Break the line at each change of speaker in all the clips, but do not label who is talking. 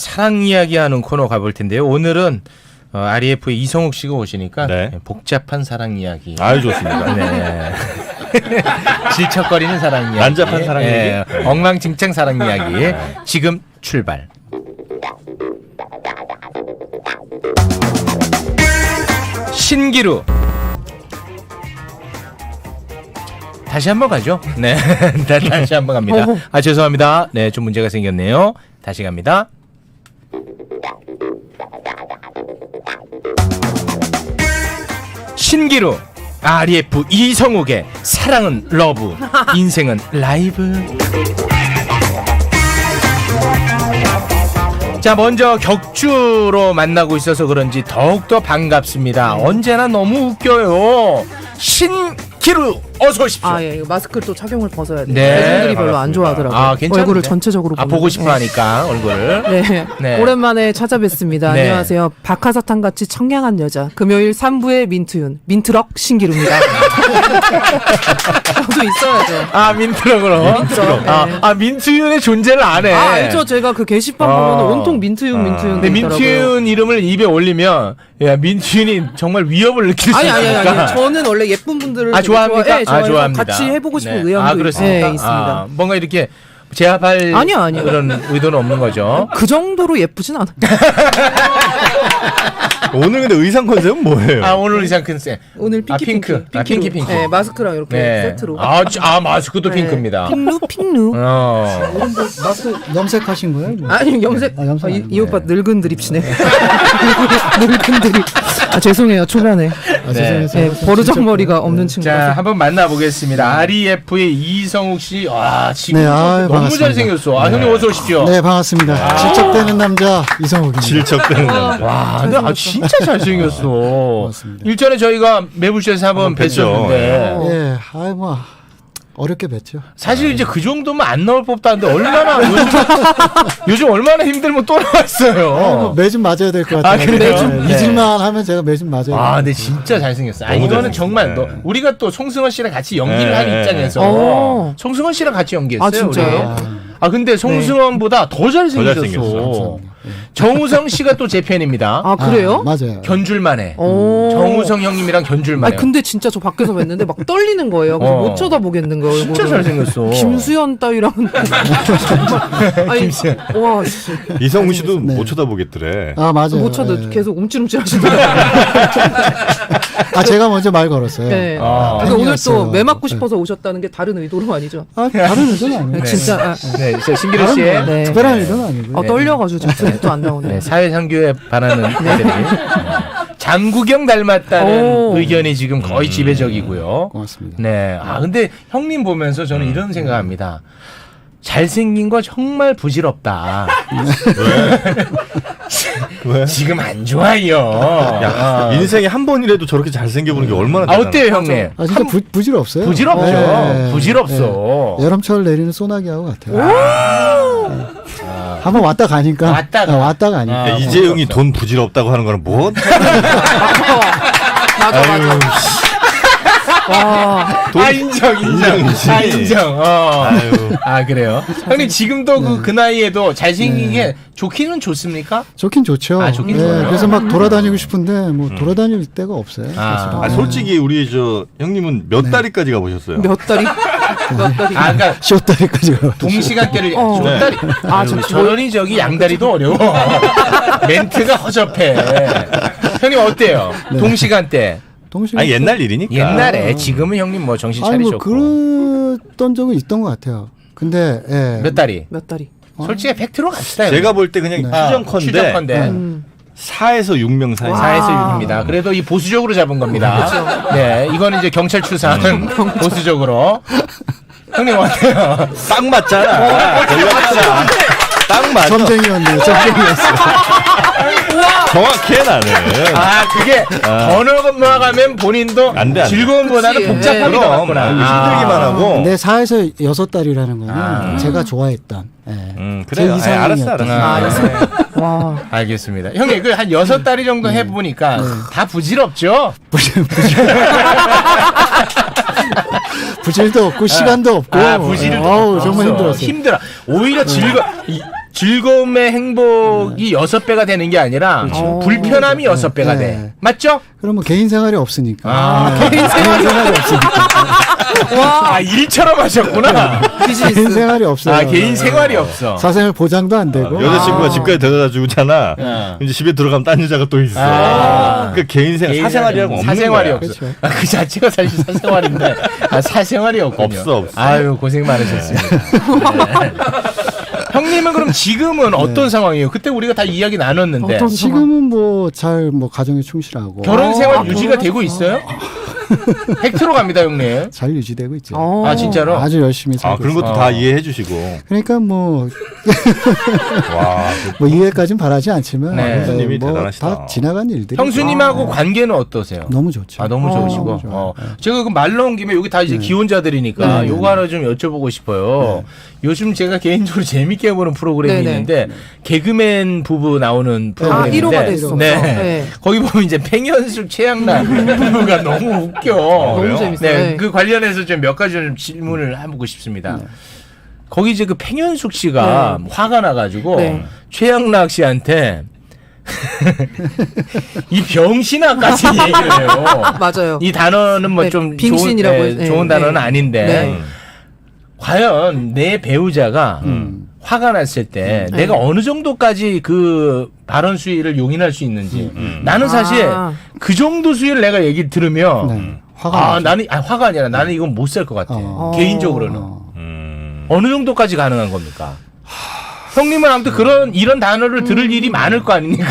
사랑 이야기하는 코너 가볼 텐데요. 오늘은 REF의 이성욱 씨가 오시니까
네.
복잡한 사랑 이야기.
아유 좋습니다.
네. 질척거리는 사랑 이야기.
난잡한 사랑 이야기.
엉망진창 사랑 이야기. 지금 출발. 신기루. 다시 한번 가죠. 네, 다시 한번 갑니다. 아 죄송합니다. 네, 좀 문제가 생겼네요. 다시 갑니다. 신기루. REF 이성욱의 사랑은 러브, 인생은 라이브. 자, 먼저 격주로 만나고 있어서 그런지 더욱더 반갑습니다. 언제나 너무 웃겨요. 신기루 어서 오십시오.
아, 예, 이거 마스크를 또 착용을 벗어야 돼요.
네,
대중들이 별로 안
반갑습니다.
좋아하더라고요.
아, 괜찮은데?
얼굴을 전체적으로
아,
보는
보고
거.
싶어 하니까 얼굴을.
네.
네.
오랜만에 찾아뵙습니다.
네.
안녕하세요. 박하사탕같이 청량한 여자. 금요일 3부의 민트윤. 민트럭 신기루입니다. 저도 있어야죠.
아, 민트럭으로.
민트럭. 네.
아, 민트윤의 존재를 안 해.
아, 알죠. 제가 그 게시판 보면 온통 민트윤, 민트윤.
근데 민트윤 이름을 입에 올리면 야, 민트윤이 정말 위협을 느낄 수
아니.
있으니까.
저는 원래 예쁜 분들을
아,
되게
좋아합니까?
네, 좋아해서
좋아합니다.
같이 해보고 싶은
네.
의향도
그렇습니까?
네, 있습니다.
아, 뭔가 이렇게 제압할
아니요.
그런 의도는 없는 거죠.
그 정도로 예쁘진 않아요.
오늘 근데 의상 컨셉은 뭐예요?
아, 오늘 의상 컨셉.
오늘 핑크.
핑크. 아, 핑크.
네, 마스크랑 이렇게 세트로.
마스크도
네.
핑크입니다.
핑루.
마스크 염색하신 거예요?
아니 염색.
염색
이
아니에요.
오빠 늙은 드립치네. 늙은 드립. 아 죄송해요 초반에.
네.
네, 버르장머리가 없는
자,
친구라서.
한번 만나보겠습니다. REF의 이성욱 씨. 와, 지금
네, 아유,
너무
반갑습니다.
잘생겼어. 아, 형님 어서 오십시오.
네, 반갑습니다. 질척대는 남자 이성욱입니다.
질척대는 남자.
와, 근데 진짜 잘생겼어.
고맙습니다.
일전에 저희가 매불쇼에서 한번
뵀죠.
뵀었는데
예, 아이 뭐 어렵게 뵀죠.
사실 이제 그 정도면 안 나올 법도 한데 얼마나 요즘 얼마나 힘들면 또 나왔어요.
뭐 매주 맞아야 될 것 같아요.
그래요?
네, 잊을만 하면 제가 매주 맞아야 돼요.
아, 근데 진짜 잘생겼어. 아,
너무
이거는
잘생겼어.
정말
네.
우리가 또 송승헌 씨랑 같이 연기를
네.
한 입장에서
오.
송승헌 씨랑 같이 연기했어요.
아, 진짜요?
우리. 아, 근데 송승헌보다 더 잘생겼어.
잘생겼어.
정우성 씨가 또 제 팬입니다.
아 그래요?
맞아요.
견줄만해.
오.
정우성 형님이랑 견줄만해.
아니 근데 진짜 저 밖에서 뵀는데 막 떨리는 거예요. 그래서 못 쳐다보겠는 거예요.
진짜
얼굴을.
잘생겼어.
김수현 따위랑은 정말. 아니,
김수현.
와, 씨.
이성우 씨도
네.
못 쳐다보겠더래.
아, 맞아요.
못 쳐도
예.
계속 움찔움찔 하시더라고요.
아, 제가 먼저 말 걸었어요.
네.
아.
그러니까 오늘 또
팬이었어요.
매 맞고 싶어서 오셨다는 게 다른 의도로 아니죠?
아, 다른 의도는 아니에요.
진짜. 아,
네, 저 신기루 씨의
다른
네.
특별한 의도는 아니고요.
떨려가지고 지금 소리도 안 나오네.
네, 사회상규에 반하는 애들이 장국영 닮았다는
오.
의견이 지금 거의 지배적이고요.
고맙습니다.
네, 근데 형님 보면서 저는 이런 생각합니다. 잘생긴 거 정말 부질없다.
왜?
지금 안 좋아요.
야, 인생에 한 번이라도 저렇게 잘생겨보는 게 얼마나
아, 어때요, 형님?
아, 진짜 부질없어요.
부질없죠.
네.
부질없어.
네. 여름철 내리는 소나기하고 같아요. 네. 한번 왔다 가니까.
왔다가.
왔다 가니까.
아,
야, 이재용이 돈 부질없다고 하는 거는 뭐?
맞아. 와.
인정.
인정이지.
인정.
아유.
아, 그래요? 형님, 지금도 그 나이에도 잘생긴 게 좋기는 좋습니까?
좋긴 좋죠.
아, 좋긴 좋아요.
그래서 막 돌아다니고 싶은데 뭐 돌아다닐 데가 없어요.
아.
아, 솔직히 우리 저 형님은 몇 다리까지 가보셨어요?
몇 달이? 몇 달이?
그러니까
쇼다리까지 가.
동시간대를
어.
줬다리. 저런이 저기 양다리도 어려워. 멘트가 허접해. 형님 어때요? 동시간대.
동시간.
아니 옛날 일이니까.
옛날에 지금은 형님 뭐 정신
아니 뭐
차리셨고.
그랬던 적은 있던 것 같아요. 근데 예.
몇 다리?
몇 달이?
솔직히 팩트로 갑시다.
제가 볼 때 그냥
네.
추정컨대 4에서 6명 사이.
4에서 6입니다. 그래도 이 보수적으로 잡은 겁니다. 네, 이거는 이제 경찰 추산 보수적으로. 형님 어때요?
딱 맞잖아. 걸렸잖아. 딱 맞아.
점쟁이였네요. 점쟁이였어.
정확해 나는.
그게 번호만 가면 본인도
안 돼.
즐거움보다는
그치.
복잡함이 더
그럼
많구나.
힘들기만 하고.
근데 4에서 6달이라는 거는 제가 좋아했던. 예.
그래요.
제
알았어,
이상형이었던.
알았어.
와.
알겠습니다. 형님 그 한 6다리 정도 해보니까 다 부질없죠?
부질도 없고 시간도 없고.
부질도
어우,
없어.
정말 힘들었어요.
힘들어. 오히려 즐거움의 행복이 6배가 되는 게 아니라 불편함이 6배가 돼.
네.
맞죠?
그러면 개인 생활이 없으니까.
아,
개인 생활이 없으니까.
아 일처럼 하셨구나.
개인 생활이 없어요.
아 개인 생활이 없어.
사생활 보장도 안 되고.
여자친구가 집까지 데려다 주잖아.
어.
이제 집에 들어가면 딴 여자가 또 있어.
아.
그러니까 개인 생활, 사생활이라고 없는
사생활이
거야.
없어.
그렇죠.
아, 그 자체가 사실 사생활인데 사생활이 없군요.
없어.
아유 고생 많으셨습니다. 네. 형님은 그럼 지금은 어떤 상황이에요? 그때 우리가 다 이야기 나눴는데
어떤
지금은 뭐 잘 뭐 가정에 충실하고
결혼 생활 유지가
결혼하셨어.
되고 있어요? 팩트로 갑니다, 형님.
잘 유지되고 있죠.
아 진짜로?
아주 열심히
아,
살고
그런
있어요.
것도 다 이해해 주시고.
그러니까 뭐
와.
뭐 이해까지는 바라지 않지만
네.
형수님이
뭐
대단하시다.
다 지나간 일들이
형수님하고 관계는 어떠세요?
너무 좋죠.
아 너무 좋으시고
좋아요.
제가 그 말 나온 김에 여기 다 이제 기혼자들이니까
네.
요거 하나 좀 여쭤보고 싶어요. 요즘 제가 개인적으로 재밌게 보는 프로그램이
네네.
있는데 개그맨 부부 나오는
아, 1호가
프로그램인데
됐었죠.
네.
네.
거기 보면 이제 팽현숙 최양락 부부가 너무 웃겨.
너무
그래요?
재밌어요.
네,
네.
그 관련해서 좀 몇 가지 좀 질문을 해보고 싶습니다. 거기 이제 그 팽현숙 씨가 화가 나가지고
네.
최양락 씨한테 이 병신아까지 얘기를 해요.
맞아요.
이 단어는 뭐
네,
좀
빙신이라고
좋은,
해서,
좋은
네,
단어는
네.
아닌데
네.
과연 내 배우자가 화가 났을 때 내가 어느 정도까지 그 발언 수위를 용인할 수 있는지 나는 사실
아.
그 정도 수위를 내가 얘기 들으면
네. 화가
아
나죠.
나는 화가 아니라 나는 이건 못 살 것 같아. 개인적으로는 어느 정도까지 가능한 겁니까? 형님은 아무튼 이런 단어를 들을 일이 많을 거 아닙니까?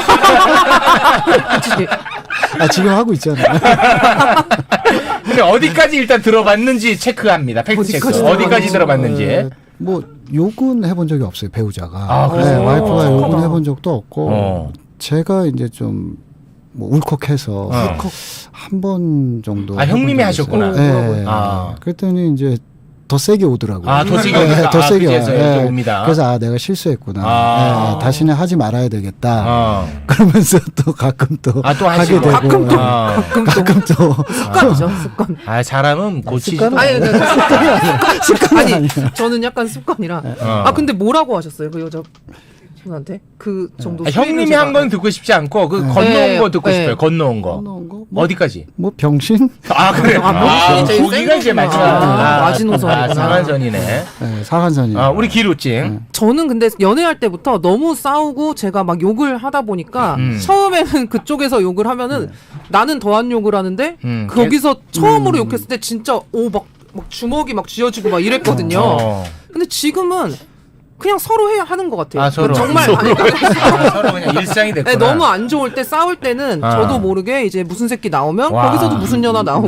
아, 지금 하고 있잖아요.
근데 어디까지 일단 들어봤는지 체크합니다. 팩트 체크. 어디까지 들어봤는지.
뭐 욕은 해본 적이 없어요, 배우자가.
아, 그래요?
네, 와이프가 욕은
착하다.
해본 적도 없고 제가 이제 좀 뭐 울컥해서 한 번 정도.
아, 형님이 하셨구나.
네.
아.
그랬더니 이제 더 세게 오더라고요.
아, 더 세게 옵니까?
더
아,
세게
그제서야
와요.
이제 옵니다.
그래서 아, 내가 실수했구나.
아.
네, 다시는 하지 말아야 되겠다.
어.
그러면서 또 가끔 또
아, 또
하게
하시고.
되고.
가끔 또.
아.
가끔 또.
습관이죠, 습관.
아, 사람은 고치지.
습관은
아니,
습관이
아니, 저는 약간 습관이라.
어.
아, 근데 뭐라고 하셨어요, 그 여자분한테? 그 정도.
아, 형님이 한 건 듣고 싶지 않고 그 건너온
네,
거 듣고
네.
싶어요. 건너온 거.
넣은 거? 뭐,
어디까지?
뭐 병신?
아, 그래.
아,
아,
제일
거기가 이제
센
마지막.
거구나. 마지노선이구나.
상한선이네.
네, 사관선이.
아, 우리 기루찡.
저는 근데 연애할 때부터 너무 싸우고 제가 막 욕을 하다 보니까 처음에는 그쪽에서 욕을 하면은 나는 더한 욕을 하는데 거기서 처음으로 욕했을 때 진짜 막 주먹이 막 쥐어지고 막 이랬거든요.
어.
근데 지금은 그냥 서로 해야 하는 것 같아요.
아, 서로.
정말
서로. 아, 서로 그냥 일상이 됐구나.
네, 너무 안 좋을 때 싸울 때는
아.
저도 모르게 이제 무슨 새끼 나오면
와.
거기서도 무슨 년아 나오고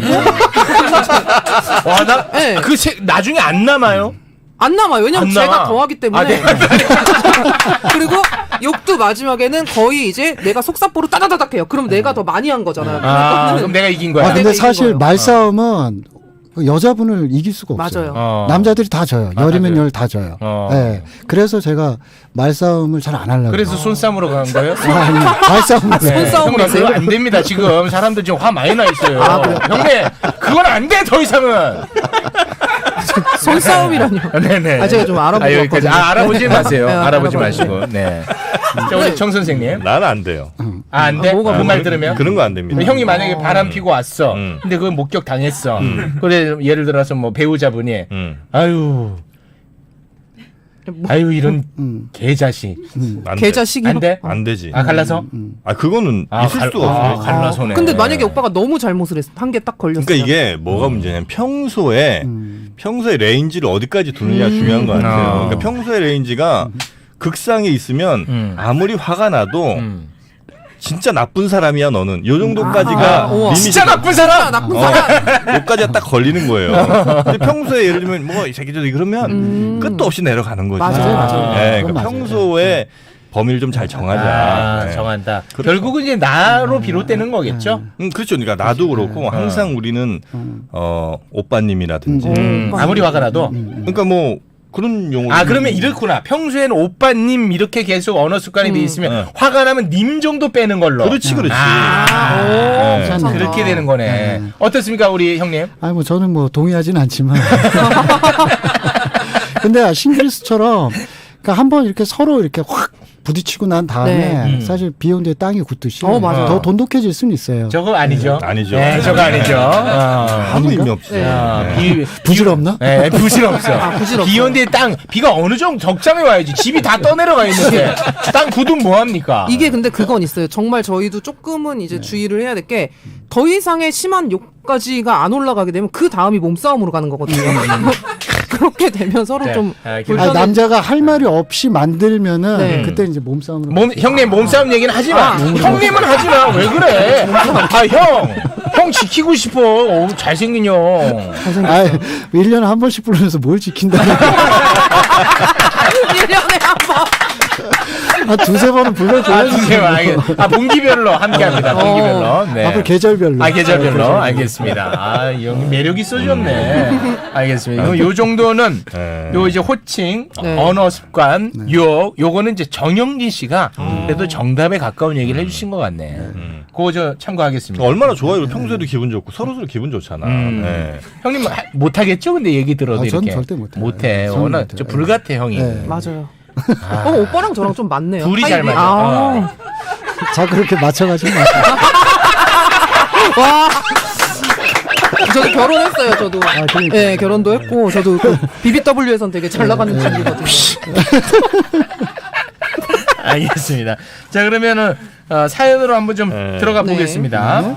와, 나,
네.
나중에 안 남아요?
안 남아요. 왜냐면
안
제가
남아.
더하기 때문에.
아, 내가
그리고 욕도 마지막에는 거의 이제 내가 속사포로 따다다닥 해요. 그럼 내가 더 많이 한 거잖아요.
아,
그러니까는
그럼 내가 이긴 거야.
아,
내가
근데
이긴
사실
거예요.
말싸움은 그 여자분을 이길 수가 없어요.
맞아요.
남자들이 다 져요. 열이면
맞아요.
열 다 져요.
어.
네. 그래서 제가 말싸움을 잘 안 하려고.
그래서 손싸움으로 간 거예요?
아니, 말싸움을.
네.
손싸움
형님,
하세요?
그거 안 됩니다. 지금 사람들 지금 화 많이 나 있어요. 형님, 그건 안 돼. 더 이상은.
손싸움이라뇨.
네네.
아, 제가 좀 알아보고
여기까지.
왔거든요.
알아보지 마세요.
네,
알아보지
알아봐요.
마시고. 네. 자, 우리 정 선생님.
나는 안 돼요.
아, 안 돼?
뭐가
그 말 들으면?
그런 거 안 됩니다.
형이 만약에 바람 피고 왔어.
음.
근데 그걸 목격 당했어. 그래, 예를 들어서 뭐 배우자분이, 아유, 아유, 이런 개자식.
안 돼.
계좌식이
안 돼?
안 되지.
아, 갈라서?
아, 그거는 있을 수가 없어요.
갈라서네.
근데 만약에 오빠가 너무 잘못을 했어. 한 개 딱 걸렸어요.
그러니까 이게 뭐가 문제냐면 평소에 레인지를 어디까지 두느냐 중요한 것 같아요. 그러니까 평소에 레인지가 극상에 있으면 아무리 화가 나도 진짜 나쁜 사람이야 너는. 요 정도까지가
우와.
리밋이
진짜 나쁜 사람!
나쁜 사람.
여기까지가 딱 걸리는 거예요. 근데 평소에 예를 들면 뭐 이 새끼들 그러면 끝도 없이 내려가는 거죠.
맞아요, 맞아요.
네,
그건
그러니까
맞아요.
평소에 범위를 좀 잘 정하자.
아,
네.
정한다. 결국은 이제 나로 비롯되는 거겠죠?
그렇죠. 그러니까 나도 그렇고 항상 우리는 오빠님이라든지
아무리 화가 나도.
그러니까 뭐 그런 용어.
아, 그러면 이렇구나. 평소에는 오빠님 이렇게 계속 언어 습관이 돼 있으면 화가 나면 님 정도 빼는 걸로.
그렇지, 그렇지.
아,
오,
괜찮네.
그렇게 되는 거네. 어떻습니까, 우리 형님?
아니, 뭐 저는 뭐 동의하진 않지만. 근데 신기루스처럼 그러니까 한번 이렇게 서로 이렇게 확 부딪히고 난 다음에
네.
사실 비온 뒤에 땅이 굳듯이
맞아요.
더 돈독해질 수는 있어요.
저거 아니죠?
아니죠.
네, 저거 아니죠.
아무 의미 없어요. 네.
부질없나?
네, 부질없어.
부질없어요.
비 온 뒤에 비가 어느 정도 적장에 와야지. 집이 다 떠내려가 있는데 땅 굳으면 뭐합니까?
이게 근데 그건 있어요. 정말 저희도 조금은 이제 주의를 해야 될 게 더 이상의 심한 욕까지가 안 올라가게 되면 그 다음이 몸싸움으로 가는 거거든요. 그렇게 되면 서로 좀
아니, 남자가 할 말이 없이 만들면은
네.
그때 이제 몸싸움으로.
형님 몸싸움 얘기는 하지 마. 형님은 하지 마. 왜 그래? 형 지키고 싶어. 잘생긴 형.
아, 1년에 한 번씩 부르면서 뭘 지킨다.
1년에 한 번.
한 두세 번은 불러줘야지.
두세 번 알겠습니다. 분기별로 함께합니다. 분기별로. 네.
앞으로 계절별로.
계절별로. 알겠습니다. 형 매력 있어졌네. 알겠습니다. 요 정도는 요 이제 호칭,
네.
언어 습관, 요거는 이제 정영진 씨가 그래도 정답에 가까운 얘기를 해주신 것 같네. 그거 저 참고하겠습니다.
얼마나 좋아요. 평소에도 기분 좋고 서로 기분 좋잖아. 네.
형님 못하겠죠? 근데 얘기 들어도
아, 저는
이렇게.
절대 못해요.
못해.
저는
워낙
못해요.
저 불같아 형이.
네.
맞아요. 오빠랑 저랑 좀 맞네요.
둘이 잘 맞아.
자, 그렇게 맞춰가지고 마세요.
와. 저도 결혼했어요. 저도.
그러니까.
네, 결혼도 했고 저도 그 BBW에선 되게 잘 나가는 친구거든요.
알겠습니다. 자 그러면은 사연으로 한번 좀 들어가
네.
보겠습니다.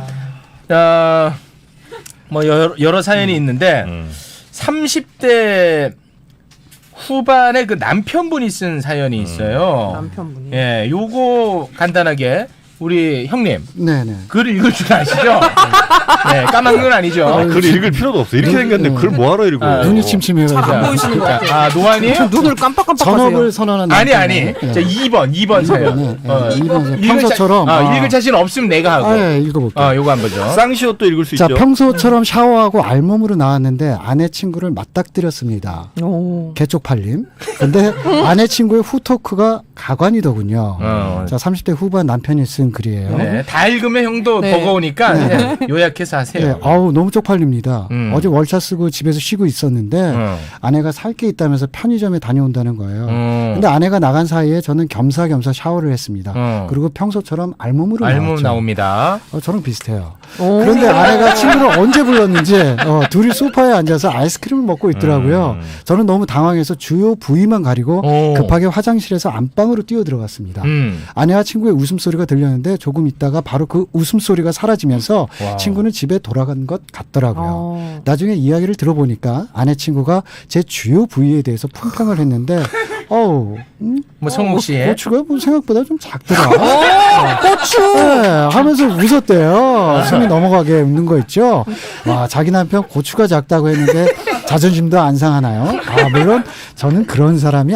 뭐 여러 사연이 있는데 30대 후반에 그 남편분이 쓴 사연이 있어요.
남편분이.
예, 요거 간단하게 우리 형님
네네.
글 읽을 줄 아시죠? 네, 까만 건 아니죠.
글 읽을 필요도 없어. 이렇게 생겼는데 글 뭐하러 읽어.
눈이 침침해가지고.
잘 안 보이시는 것 같아요.
노안이에요?
눈을 깜빡깜빡하세요.
전업을 선언한
아니.
남편이네.
자 2번 사연.
이번 평소처럼.
읽을 자신 없으면 내가 하고.
예, 읽어볼게요.
요거 한 거죠.
쌍시옷도 읽을 수
자,
있죠.
평소처럼 샤워하고 알몸으로 나왔는데 아내 친구를 맞닥뜨렸습니다.
오.
개쪽팔림. 근데 아내 친구의 후토크가 가관이더군요. 자, 30대 후반 남편이 쓴 글이에요.
네, 다 읽으면 형도
네.
버거우니까 네, 요약해서 하세요.
네, 아우 너무 쪽팔립니다.
음.
어제 월차 쓰고 집에서 쉬고 있었는데 아내가 살 게 있다면서 편의점에 다녀온다는 거예요. 근데 아내가 나간 사이에 저는 겸사겸사 샤워를 했습니다. 그리고 평소처럼 알몸으로 나왔죠.
나옵니다.
저랑 비슷해요.
오.
그런데 아내가 친구를 언제 불렀는지 둘이 소파에 앉아서 아이스크림을 먹고 있더라고요. 저는 너무 당황해서 주요 부위만 가리고 급하게 화장실에서 안방으로 뛰어들어갔습니다. 아내와 친구의 웃음소리가 들렸는데 조금 있다가 바로 그 웃음소리가 사라지면서 친구는 집에 돌아간 것 같더라고요. 나중에 이야기를 들어보니까 아내 친구가 제 주요 부위에 대해서 품평을 했는데
뭐 성욱 씨의
고추가 뭐 생각보다 좀 작더라. 고추! 네, 하면서 웃었대요. 숨이 넘어가게 웃는 거 있죠. 와, 자기 남편 고추가 작다고 했는데 자존심도 안 상하나요? 물론 저는 그런 사람이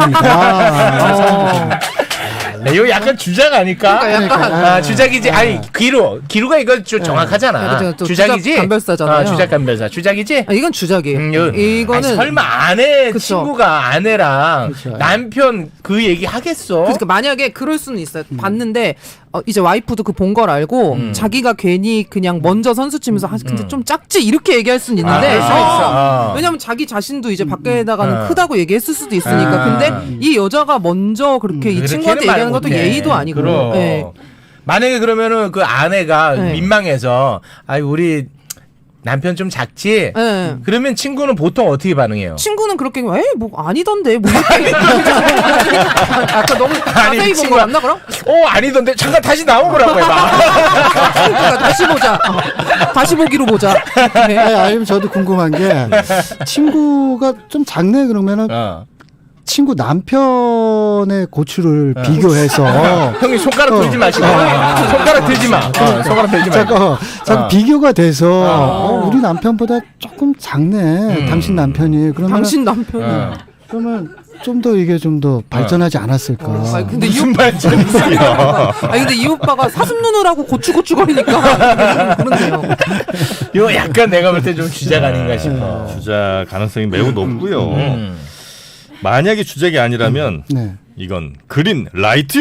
아닙니다.
이거 약간 주작 아닐까?
그러니까 약간.
주작이지. 아니 기루가 이거 좀 정확하잖아.
네, 또
주작이지.
주작 감별사잖아요.
주작 감별사. 주작이지.
이건 주작이에요. 이거는
아니, 설마 아내
그쵸.
친구가 아내랑
그쵸.
남편 그 얘기 하겠어?
그러니까 만약에 그럴 수는 있어요. 봤는데 이제 와이프도 그 본 걸 알고 자기가 괜히 그냥 먼저 선수 치면서 근데 좀 작지 이렇게 얘기할 수는 있는데
그럴 수 있어.
왜냐면 자기 자신도 이제 밖에다가는 크다고 얘기했을 수도 있으니까. 근데 이 여자가 먼저 그렇게 이 친구한테 얘기하는 것도 예의도 아니고.
그럼.
네.
만약에 그러면은 그 아내가
네.
민망해서 우리 남편 좀 작지?
네.
그러면 친구는 보통 어떻게 반응해요?
친구는 그렇게 뭐 아니던데 뭐 이렇게 아까 너무 자세히 본 거 맞나 그럼?
아니던데 잠깐 다시 나오보라고 해봐.
그러니까 다시 보자. 다시 보기로 보자. 네.
아니면 저도 궁금한 게 친구가 좀 작네 그러면은 친구 남편의 고추를 비교해서
형님 손가락 들지 마시고 손가락 들지 마. 손가락 들지 마.
자꾸 비교가 돼서 우리 남편보다 조금 작네 당신 남편이 그러면
당신 남편이
그러면 좀 더 이게 좀 더 발전하지 않았을까?
근데
무슨 발전이야?
근데 이 오빠가 사슴 눈을 하고 고추거리니까 그렇네요.
이거 약간 내가 볼 때 좀 주작 아닌가 싶어.
주작 가능성이 매우 높고요. 만약에 주작이 아니라면
네.
이건 그린 라이트요.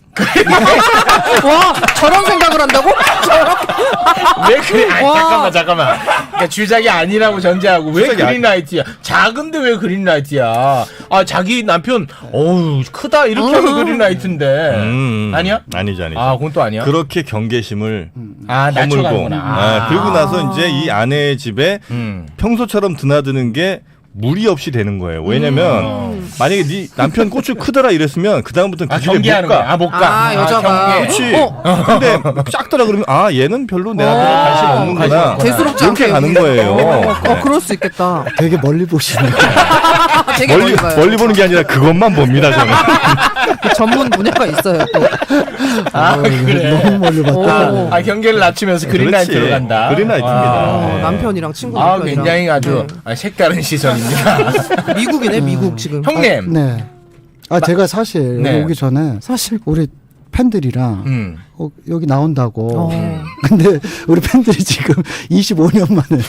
와 저런 생각을 한다고?
왜 그린? 아니,
와.
잠깐만. 그러니까 주작이 아니라고 전제하고 왜 그린라이트야? 작은데 왜 그린라이트야? 아 자기 남편 어우 크다 이렇게 하면 그린라이트인데 아니야?
아니죠.
아 그건 또 아니야?
그렇게 경계심을
낮춰
허물고
가는구나.
그리고 나서 이제 이 아내의 집에 평소처럼 드나드는 게 무리 없이 되는 거예요. 왜냐면 만약에 네 남편 고추 크더라 이랬으면 그 다음부터는 그 집에 못
경계하는 거야.
가.
못 가.
아, 여자가.
경계.
그렇지. 근데 작더라 그러면 아 얘는 별로 내 남편에 관심 없는구나.
대수롭지
이렇게
않게
가는 거예요.
그럴 수 있겠다.
되게 멀리 보시네.
되게 멀리 봐요.
멀리 보는 게 아니라 그것만 봅니다 저는.
그 전문 분야가 있어요. 또.
그래.
너무 멀리 봤다.
경계를 낮추면서 그린라이트로
그렇지.
간다.
그린라이트입니다. 네.
남편이랑 친구
아
남편이랑.
굉장히 아주 색다른 시선입니다.
미국이네 미국 지금.
형님.
네. 제가 사실
네.
여기 오기 전에
사실
우리 팬들이랑 여기 나온다고.
어.
근데 우리 팬들이 지금 25년 만에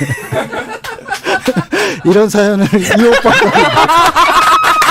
이런 사연을 이 오빠가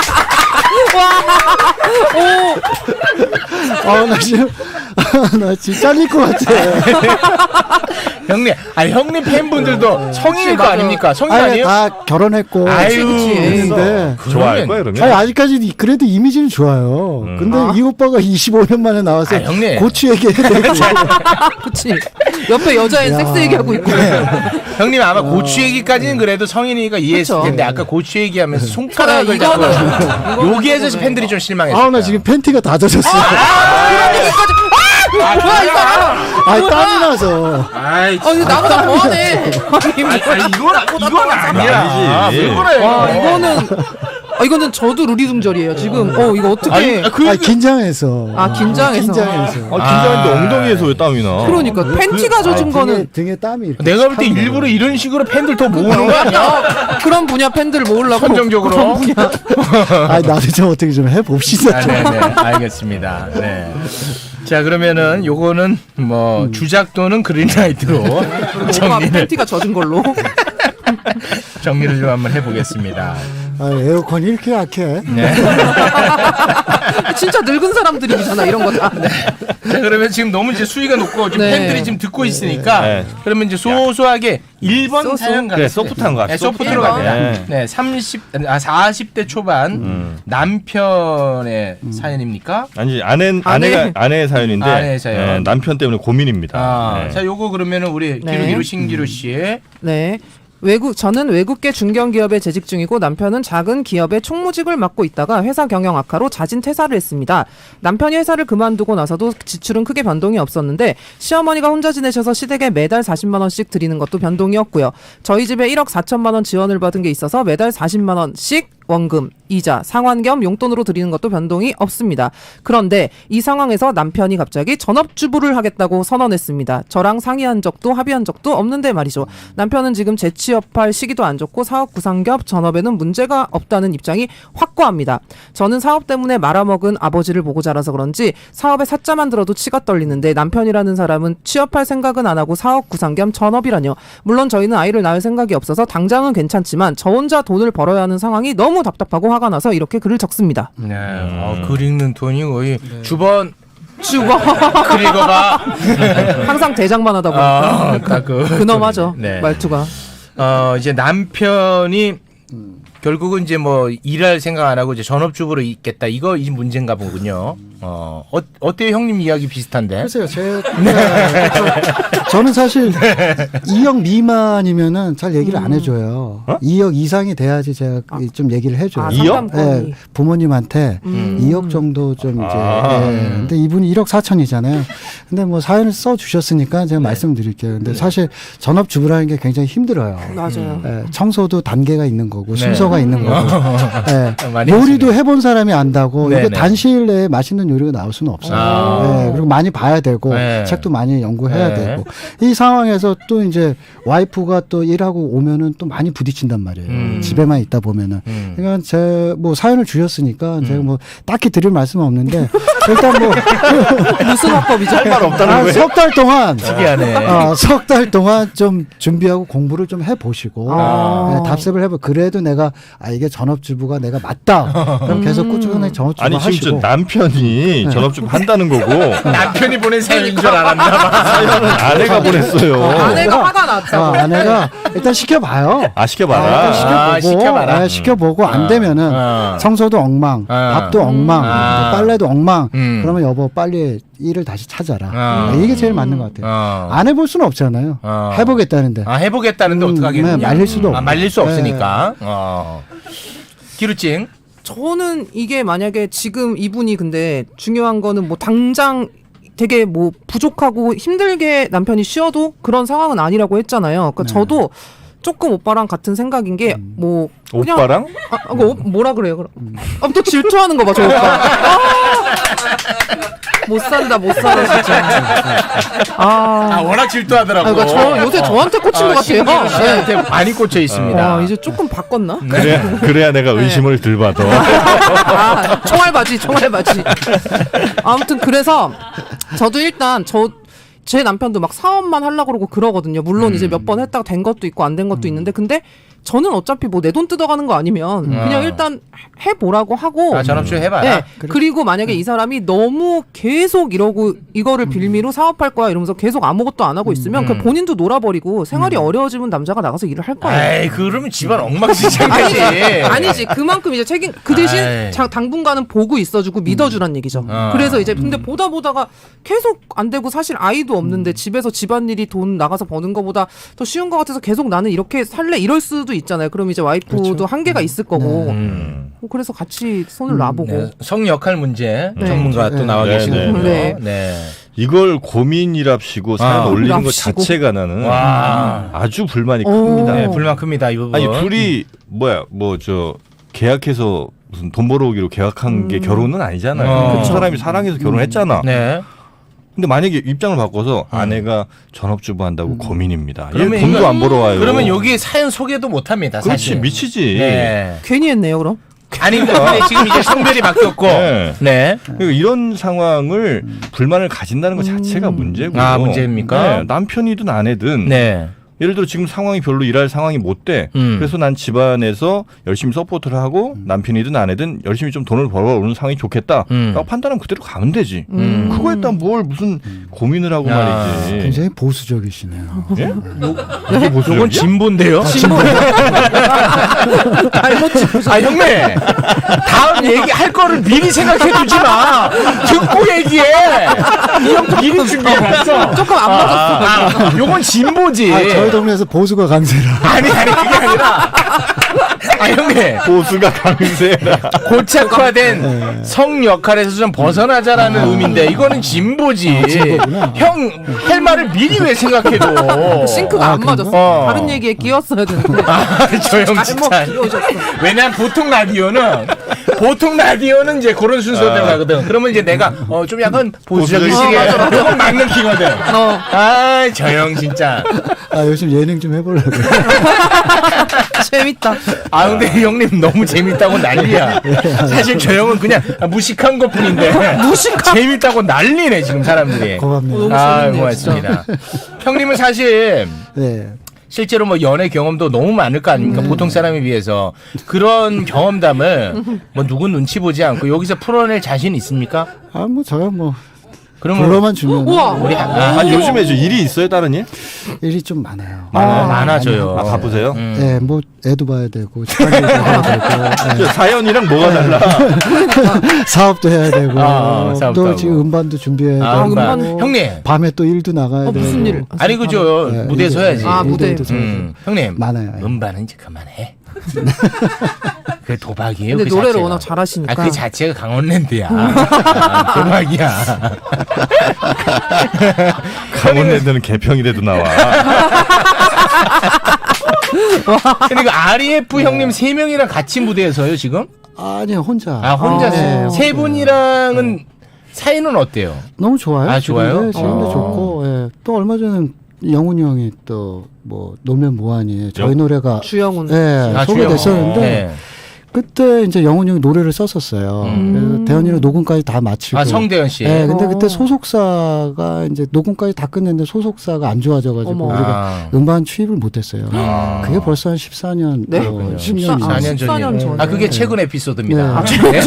나 지금 나 지금 잘릴 것 같아.
형님, 형님 팬분들도 성인일 거
맞아.
아닙니까? 성인 아니에요?
다 결혼했고
아유,
있는데
좋아할 거야 그러면.
아직까지 그래도 이미지는 좋아요. 근데 이 오빠가 25년 만에 나와서
형님.
고추 얘기해야 되고
그치. 옆에 여자애 섹스 얘기하고 있고.
형님 아마 고추 얘기까지는 그래도 성인이니까 이해했을
그쵸.
텐데 아까 고추 얘기하면서 손가락을
그래,
잡고
이거는
여기에서 팬들이 좀 실망했어요.
나 지금 팬티가 다 젖었어.
뭐야 이 사람.
땀이 나서.
이거 나보다 더하네.
이건 아니야.
아니지.
왜 그래?
이거는 저도 루리둥절이에요. 지금 이거 어떻게?
긴장해서.
긴장해서.
긴장했는데 엉덩이에서 왜 땀이 나?
그러니까 팬티가 젖은 거는
등에 땀이 이렇게
내가 볼 때 일부러 이런 식으로 팬들 더 모으는 거 아니야?
그런 분야 팬들 모으려고.
선정적으로.
그런 분야.
나도 좀 어떻게 좀 해봅시다. 좀.
네네 알겠습니다. 네. 자 그러면은 요거는 뭐 주작 또는 그린라이트로
오빠
정리를
팬티가 젖은 걸로.
정리를 좀 한번 해보겠습니다.
에어컨이 이렇게 약해.
네.
진짜 늙은 사람들이잖아 이런 거 다.
자, 그러면 지금 너무 이제 수위가 높고 지금
네.
팬들이 지금 듣고 있으니까
네.
그러면 이제 소소하게 1번 사연
그래
가겠습니다.
소프트한 거.
네, 소프트로 갑니다.
네.
네, 40대 초반 남편의 사연입니까?
아니 아내의 사연인데
아내의 사연.
남편 때문에 고민입니다. 네.
자, 요거 그러면은 우리
네.
기루기루 신기루 씨의
네. 저는 외국계 중견기업에 재직 중이고 남편은 작은 기업의 총무직을 맡고 있다가 회사 경영 악화로 자진 퇴사를 했습니다. 남편이 회사를 그만두고 나서도 지출은 크게 변동이 없었는데 시어머니가 혼자 지내셔서 시댁에 매달 40만 원씩 드리는 것도 변동이었고요. 저희 집에 1억 4천만 원 지원을 받은 게 있어서 매달 40만 원씩 원금, 이자, 상환 겸 용돈으로 드리는 것도 변동이 없습니다. 그런데 이 상황에서 남편이 갑자기 전업주부를 하겠다고 선언했습니다. 저랑 상의한 적도 합의한 적도 없는데 말이죠. 남편은 지금 재취업할 시기도 안 좋고 사업 구상 겸 전업에는 문제가 없다는 입장이 확고합니다. 저는 사업 때문에 말아먹은 아버지를 보고 자라서 그런지 사업에 사자만 들어도 치가 떨리는데 남편이라는 사람은 취업할 생각은 안 하고 사업 구상 겸 전업이라뇨. 물론 저희는 아이를 낳을 생각이 없어서 당장은 괜찮지만 저 혼자 돈을 벌어야 하는 상황이 너무 답답하고 화가 나서 이렇게 글을 적습니다.
네. 글 읽는 톤이 거의 주번 그리고가
항상 대장만 하다 보니까 근엄하죠.
네.
말투가.
이제 남편이 결국은 이제 뭐 일할 생각 안 하고 이제 전업주부로 있겠다. 이거 이 문제인가 보군요. 어때요? 형님 이야기 비슷한데?
글쎄요, 저는 사실 2억 미만이면은 잘 얘기를 안 해줘요. 2억 이상이 돼야지 제가 좀 얘기를 해줘요.
2억?
네, 부모님한테 2억 정도 좀 이제. 근데 이분이 1억 4천이잖아요. 근데 뭐 사연을 써주셨으니까 제가 말씀드릴게요. 근데 사실 전업주부라는 게 굉장히 힘들어요.
맞아요.
청소도 단계가 있는 거고 순서가 있는 거고.
많이
요리도 해본 사람이 안다고
네네.
이거 단시일 내에 맛있는 요리가 나올 수는 없어요. 그리고 많이 봐야 되고 책도 많이 연구해야 되고 이 상황에서 또 이제 와이프가 또 일하고 오면은 또 많이 부딪힌단 말이에요. 집에만 있다 보면은. 그러니까 제 뭐 사연을 주셨으니까 제가 뭐 딱히 드릴 말씀은 없는데 일단 뭐
무슨 화법이죠?
할 말 없다는 거예요?
석 달 동안
특이하네.
석 달 동안 좀 준비하고 공부를 좀 해보시고 네, 답습을 해보. 그래도 내가 이게 전업주부가 내가 맞다. 그럼 계속 꾸준히 전업주부
아니
하시고.
지금 남편이 전업주부 한다는 거고
남편이 보낸 사연인 줄 알았나 봐.
사연은 아내가 보냈어요.
아내가 화가 났다고.
아내가 일단 시켜봐요.
시켜봐라.
일단 시켜보고,
시켜봐라.
네, 시켜보고 안 되면은 청소도 엉망, 밥도 엉망, 빨래도 엉망. 그러면 여보 빨리 일을 다시 찾아라. 이게 제일 맞는 것 같아요. 안 해볼 수는 없잖아요. 해보겠다는데.
해보겠다는데 어떡하겠냐.
네, 말릴 수도 없고.
말릴 수 없으니까. 기루찡.
저는 이게 만약에 지금 이분이 근데 중요한 거는 뭐 당장 되게 뭐 부족하고 힘들게 남편이 쉬어도 그런 상황은 아니라고 했잖아요. 그러니까 저도 조금 오빠랑 같은 생각인 게 뭐 그냥
오빠랑?
뭐라 그래요? 그럼 또 질투하는 거 봐, 저 오빠. 못 산다 진짜.
워낙 질투하더라고.
그러니까 저 요새 저한테 꽂힌 것 같아요.
신기한테 많이 꽂혀 있습니다.
이제 조금 바꿨나?
그래야 내가 의심을 덜 받아.
총알바지. 아무튼 그래서 저도 일단 제 남편도 막 사업만 하려고 그러고 그러거든요. 물론 이제 몇 번 했다가 된 것도 있고 안 된 것도 있는데 근데 저는 어차피 뭐 내 돈 뜯어가는 거 아니면 그냥 일단 해보라고 하고
전업주부 해봐라.
네. 그리고 만약에 이 사람이 너무 계속 이러고 이거를 빌미로 사업할 거야 이러면서 계속 아무것도 안 하고 있으면 그 본인도 놀아버리고 생활이 어려워지면 남자가 나가서 일을 할 거예요.
에이, 그러면 집안 엉망진창이지.
아니지 그만큼 이제 책임 그 대신
아이.
당분간은 보고 있어주고 믿어주란 얘기죠. 그래서 이제 근데 보다가 계속 안 되고 사실 아이도 없는데 집에서 집안일이 돈 나가서 버는 거보다 더 쉬운 것 같아서 계속 나는 이렇게 살래 이럴 수도 있잖아요. 그럼 이제 와이프도
그렇죠.
한계가 있을 거고 그래서 같이 손을 놔보고
네, 성 역할 문제
네.
전문가 또 나와
네,
계시는군요.
네.
네.
이걸 고민이랍시고 사연 올리는 것
랍시고.
자체가 나는
와.
아주 불만이
오.
큽니다.
네, 불만 큽니다. 이 부분.
아니 둘이 계약해서 무슨 돈 벌어오기로 계약한 게 결혼은 아니잖아요. 그 사람이 사랑해서 결혼했잖아.
네.
근데 만약에 입장을 바꿔서 아내가 전업주부 한다고 고민입니다. 얘
그러면
돈도
이거-
안 벌어와요.
그러면 여기 사연 소개도 못 합니다.
그렇지
사실.
미치지.
네.
괜히 했네요 그럼.
아니 근데 지금 이제 성별이 바뀌었고.
네.
네.
그러니까 이런 상황을 불만을 가진다는 것 자체가 문제고.
아, 문제입니까?
네, 남편이든 아내든.
네.
예를 들어 지금 상황이 별로 일할 상황이 못 돼. 그래서 난 집안에서 열심히 서포트를 하고 남편이든 아내든 열심히 좀 돈을 벌어오는 상황이 좋겠다. 라고 판단하면 그대로 가면 되지. 그거에 따라 뭘 무슨 고민을 하고 말이지.
굉장히 보수적이시네요.
예? 이게 보수적이야?
이건 진보인데요.
잘못 짚으셨.
아 형님 다음 얘기할 거를 미리 생각해 두지 마. 듣고 얘기해. 이 형 미리 준비해 놨어.
조금 안 맞았어.
요건 진보지.
저희 동네에서 보수가 강세라.
아니 그게 아니라. 아 형님
보수가 강세라.
고착화된 성 역할에서 좀 벗어나자라는 의미인데 이거는 진보지.
진보구나.
형 할 말을 미리 왜 생각해도.
싱크가 안 맞았어.
어.
다른 얘기에 끼었어야 되는데.
저 형
잘못
진짜.
끼워줬어.
왜냐면 보통 라디오는 이제 그런 순서대로 가거든. 그러면 이제 내가 좀 약간 보수적인 시기에 요건 막 느끼거든. 저 형 진짜.
요즘 예능 좀 해보려고.
재밌다.
아 근데 형님 너무 재밌다고 난리야. 사실 저 형은 그냥 무식한 것뿐인데 재밌다고 난리네 지금 사람들이.
고맙네요.
너무
아
재밌네요,
고맙습니다. 형님은 사실
네.
실제로 뭐 연애 경험도 너무 많을 거 아닙니까? 보통 사람에 비해서 그런 경험담을 뭐 누구 눈치 보지 않고 여기서 풀어낼 자신 있습니까?
저야 뭐
그러면
불러만 주면
우와.
우리
아니 요즘에 저 일이 있어요 다른 일?
일이 좀 많아요.
많아져요.
아 바쁘세요?
네, 뭐 애도 봐야 되고 집안일도 해야 되고
저 사연이랑 뭐가 달라?
사업도 해야 되고
사업도
또
하고.
지금 음반도 준비해야
아,
되고
음반. 형님.
밤에 또 일도 나가야 되고
무슨 일?
아니 그죠
네,
무대에서
일도-
해야지.
아, 무대.
일도 서야죠.
형님
많아요. 예.
음반은 이제 그만해. 그 도박이에요.
근데
그
노래를
자체가.
워낙 잘하시니까.
그 자체가 강원랜드야. 도박이야.
강원랜드는 개평이라도 나와.
그러니까 REF 형님 3명이랑 같이 무대에서요 지금?
아니 혼자.
혼자
네,
세 분이랑은 사이는 어때요?
너무 좋아요.
아, 좋아요?
지금도 좋고 예. 또 얼마 전에 영훈이 형이 또 뭐 놀면 뭐하니 저희 노래가
주영훈.
소개됐었는데
네.
그때 이제 영훈이 형이 노래를 썼었어요. 그래서 대현이랑 녹음까지 다 마치고.
성대현 씨.
네, 근데 그때 소속사가 이제 녹음까지 다 끝냈는데 소속사가 안 좋아져가지고
어머.
우리가 음반 취입을 못했어요. 그게 벌써 한 14년,
네?
10년
14년
14년
전이에요.
전에.
그게 최근 에피소드입니다.
네.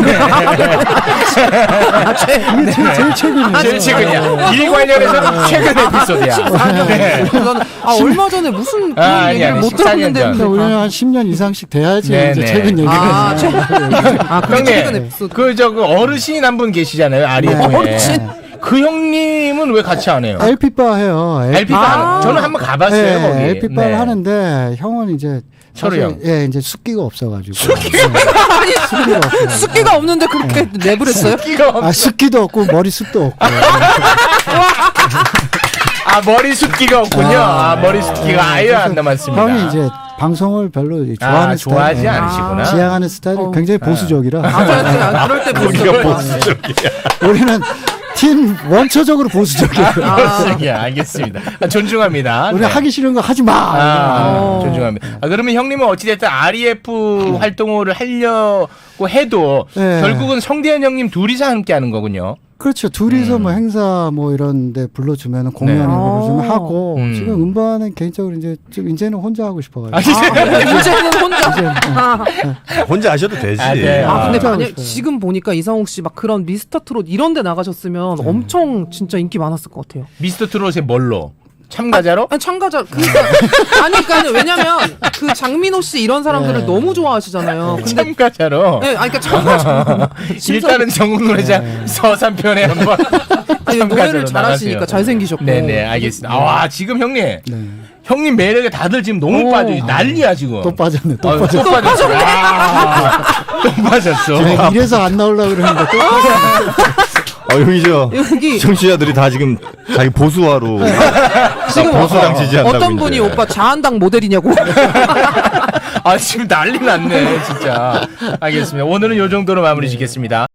이게 제일 최근이에요.
제일 최근이야. 일 관련해서는 최근 에피소드야. 네.
얼마 전에 무슨 그런
아니,
얘기를
아니,
못
14년
들었는데.
전.
그러니까 우리는 한 10년 이상씩 돼야지
네,
이제
네.
최근 얘기를.
그게 최근 에피소드.
그 어르신 한 분 계시잖아요. 아리에프에.
어르신.
그 형님은 왜 같이 안 해요?
LP바 해요.
LP바 저는 한번 가봤어요. 거기.
LP바를
네.
하는데 형은 이제
철우 형.
예, 이제 숫기가 없어가지고. 숫기가 없어요.
숫기가 없는데 그렇게 랩을 했어요?
아, 숫기도 없고 머리숱도 없고.
아 머리 숱기가 없군요. 머리 숱기가 아예 안 남았습니다.
형이 이제 방송을 별로 좋아하는
좋아하지
스타일,
않으시구나.
지향하는 스타일이 굉장히 보수적이라.
그럴 때 보수적이야.
우리는 팀 원초적으로 보수적이에요.
예, 알겠습니다. 존중합니다.
우리
네.
하기 싫은 거 하지 마.
존중합니다. 그러면 형님은 어찌됐든 REF 활동을 하려고 해도
네.
결국은 성대현 형님 둘이서 함께 하는 거군요.
그렇죠. 둘이서 뭐 행사 뭐 이런데 불러주면 공연에
네.
불러주면 하고 지금 음반은 개인적으로 이제는 혼자 하고 싶어가지고.
이제는 혼자.
혼자 하셔도 되지.
네.
근데
혼자 하고
만약
싶어요.
지금 보니까 이상욱 씨 막 그런 미스터 트롯 이런 데 나가셨으면 엄청 진짜 인기 많았을 것 같아요.
미스터 트롯의 뭘로? 참가자로?
아니 참가자 그러니까 왜냐면 그 장민호 씨 이런 사람들을 너무 좋아하시잖아요. 근데
참가자로?
네, 아니 그러니까 참가자.
일단은 전국 노래장 서산편에 한번
아니,
참가자로
노래를 잘하시니까
나가세요.
잘생기셨고.
네네 알겠습니다. 와 지금 형님
네.
형님 매력에 다들 지금 너무 빠져 난리야 지금.
또 빠졌네. 또
또
빠졌어.
빠졌어. 또 빠졌어.
지금 이래서 안 나오려고 그러는데 또 빠졌어.
여기죠.
여기
청취자들이 다 지금 자기 보수화로
지금
보수당 지지한다고
어떤 분이
이제.
오빠 자한당 모델이냐고.
지금 난리 났네 진짜. 알겠습니다. 오늘은 요 정도로 마무리 짓겠습니다.